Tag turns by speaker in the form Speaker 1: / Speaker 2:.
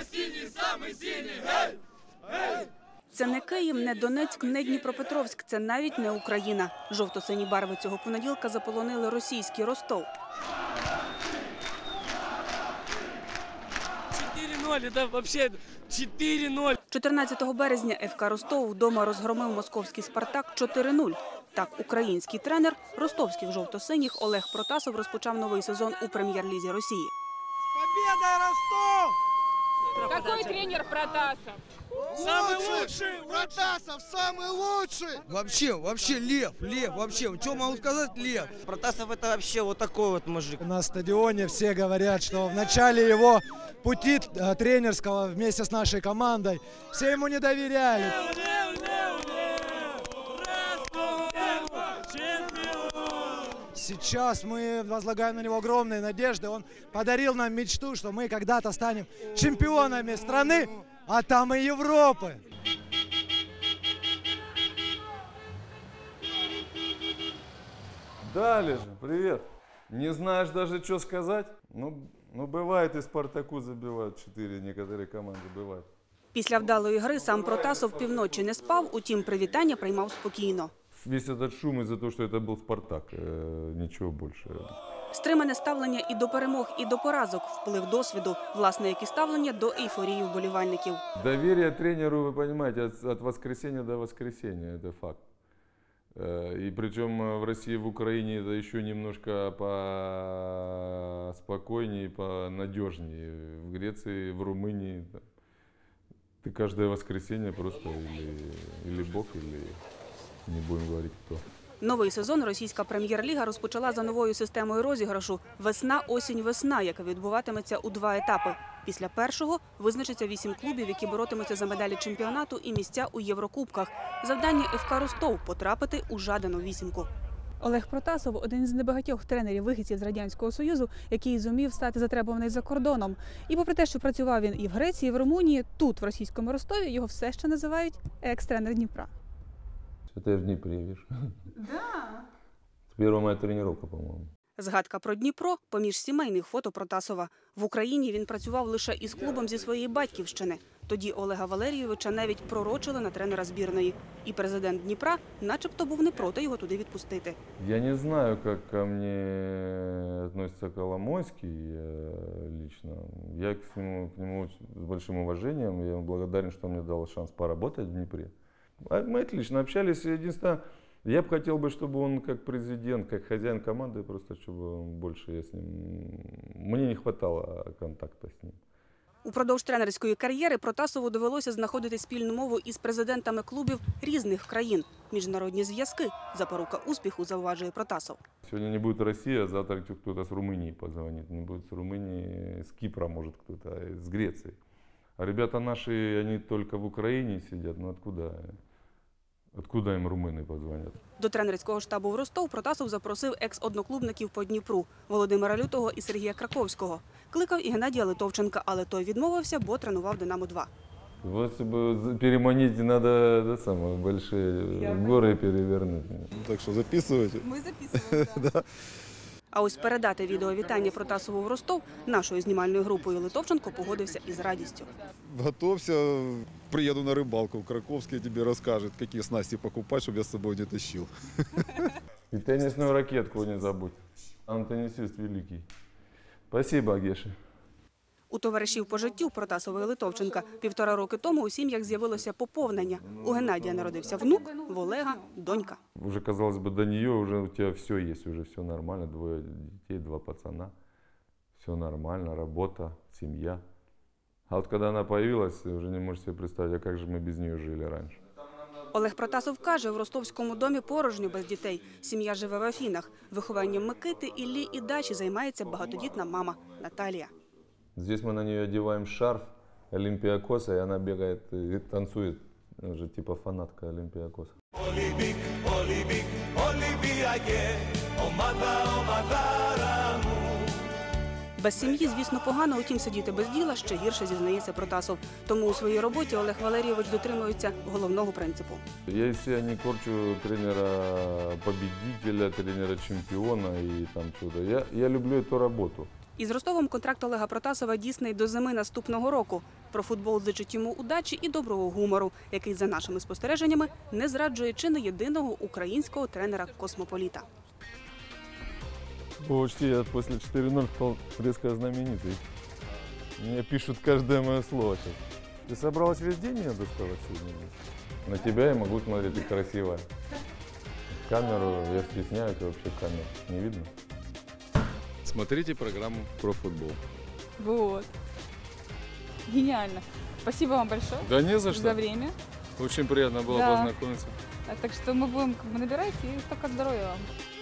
Speaker 1: синий, самый синий, гей! Гей!
Speaker 2: Це не Київ, не Донецьк, не Дніпропетровськ, це навіть не Україна. Жовто-сині барви цього понеділка заполонили російський Ростов.
Speaker 3: 4-0, да, вообще 4-0.
Speaker 2: 14 березня ФК Ростов вдома розгромив московський «Спартак» 4-0. Так, український тренер ростовських жовто-синіх Олег Протасов розпочав новий сезон у прем'єр-лізі Росії.
Speaker 4: Победа, Ростов!
Speaker 5: Какой тренер Протасов?
Speaker 4: Самый лучший! Протасов самый лучший!
Speaker 6: Вообще лев, вообще. Что могу сказать, лев?
Speaker 7: Протасов это вообще вот такой вот мужик.
Speaker 4: На стадионе все говорят, что в начале его пути тренерского вместе с нашей командой все ему не доверяли. Сейчас мы возлагаем на него огромные надежды. Он подарил нам мечту, что мы когда-то станем чемпионами страны, а там и Европы.
Speaker 8: Дали же, привет. Не знаешь даже, что сказать? Ну бывает, и Спартаку забивают 4, некоторые команды бывают.
Speaker 2: Після вдалої гри сам Протасов півночі не спав, утім привітання приймав спокійно.
Speaker 8: Весь этот шум из-за того, что это был Спартак, ничего больше.
Speaker 2: Стримане ставлення і до перемог, і до поразок, вплив досвіду, власне, як і ставлення до ейфорії вболівальників.
Speaker 8: Доверие тренеру, вы понимаете, от воскресенья до воскресенья, это факт. И причем в России, в Украине это еще немножко поспокойнее, понадежнее. В Греции, в Румынии ты каждое воскресенье просто или бог, или не будем говорить кто.
Speaker 2: Новий сезон російська прем'єр-ліга розпочала за новою системою розіграшу «Весна-осінь-весна», яка відбуватиметься у 2 етапи. Після першого визначиться 8 клубів, які боротимуться за медалі чемпіонату і місця у Єврокубках. Завдання ФК Ростов – потрапити у жадану вісімку.
Speaker 9: Олег Протасов – один з небагатьох тренерів-вихідців з Радянського Союзу, який зумів стати затребуваний за кордоном. І попри те, що працював він і в Греції, і в Румунії, тут, в російському Ростові, його все ще називають екс-тренер Дніпра.
Speaker 8: Это я в Днепре, видишь? Да. Первая моя тренировка, по-моему.
Speaker 2: Згадка про Дніпро – поміж сімейних фото Протасова. В Україні він працював лише із клубом зі своєї батьківщини. Тоді Олега Валерійовича навіть пророчили на тренера збірної. І президент Дніпра начебто був не проти його туди відпустити.
Speaker 8: Я не знаю, как ко мне относится Коломойский лично. Я к нему с большим уважением. Я ему благодарен, что он мне дал шанс поработать в Днепре. Мы отлично общались. Единственное, я бы хотел, чтобы он как президент, как хозяин команды, просто чтобы больше я с ним... Мне не хватало контакта с ним.
Speaker 2: Упродовж тренерської кар'єри Протасову довелося знаходити спільну мову із президентами клубів різних країн. Міжнародні зв'язки – запорука успіху, зауважує Протасов.
Speaker 8: Сегодня не будет Россия, а завтра кто-то с Румынии позвонит. Не будет с Румынии, с Кипра может кто-то, с Греции. А ребята наши, они только в Украине сидят, ну откуда им румыны позвонят?
Speaker 2: До тренерського штабу в Ростов Протасов запросив екс-одноклубників по Дніпру – Володимира Лютого і Сергія Краковського. Кликав і Геннадія Литовченка, але той відмовився, бо тренував «Динамо-2».
Speaker 8: Вот чтобы переманить, надо большие горы перевернуть.
Speaker 10: Так что записывайте.
Speaker 9: Ми записуємо, так.
Speaker 2: А ось передати відеовітання Протасову в Ростов нашою знімальною групою Литовченко погодився із радістю.
Speaker 10: Готовься, приеду на рыбалку в Краковске, тебе расскажет, какие снасти покупать, чтобы я с собой не тащил.
Speaker 8: И теннисную ракетку не забудь. Он теннисист великий. Спасибо, Геша.
Speaker 2: У товаришів по життю Протасова і Литовченка 1,5 роки тому у сім'ях з'явилося поповнення. У Геннадія народився внук, в Олега – донька.
Speaker 8: Уже, казалось бы, до нее уже у тебя все есть, уже все нормально. 2 детей, 2 пацана. Все нормально, работа, семья. А вот когда она появилась, уже не можешь себе представить, а как же мы без нее жили раньше.
Speaker 2: Олег Протасов каже, в ростовському домі порожньо без дітей. Сім'я живе в Афінах. Вихованням Микити, Іллі і Дачі займається багатодітна мама Наталія.
Speaker 8: Здесь мы на нее одеваем шарф Олимпиакоса, и она бегает и танцует, уже типа фанатка Олимпиакоса.
Speaker 2: Без сім'ї, звісно, погано, утім сидіти без діла ще гірше, зізнається Протасов. Тому у своїй роботі Олег Валерійович дотримується головного принципу.
Speaker 8: Я из себя не корчу тренера-победителя, тренера-чемпиона и там чудо. Я люблю эту работу.
Speaker 2: Із Ростовом контракт Олега Протасова дійсний до зими наступного року. Про футбол зичить йому удачі і доброго гумору, який, за нашими спостереженнями, не зраджує чи не єдиного українського тренера-космополіта.
Speaker 8: Почти я после 4-0 стал резко знаменитый. Мне пишут каждое мое слово сейчас. Ты собралась весь день меня доставать сегодня? На тебя я могу смотреть, ты красивая. Камеру я стесняюсь, вообще камеру не видно.
Speaker 11: Смотрите программу про футбол.
Speaker 9: Вот. Гениально. Спасибо вам большое
Speaker 11: Да не за что.
Speaker 9: за время.
Speaker 11: Очень приятно было
Speaker 9: Да.
Speaker 11: познакомиться.
Speaker 9: Так что мы будем набирать, и только здоровья вам.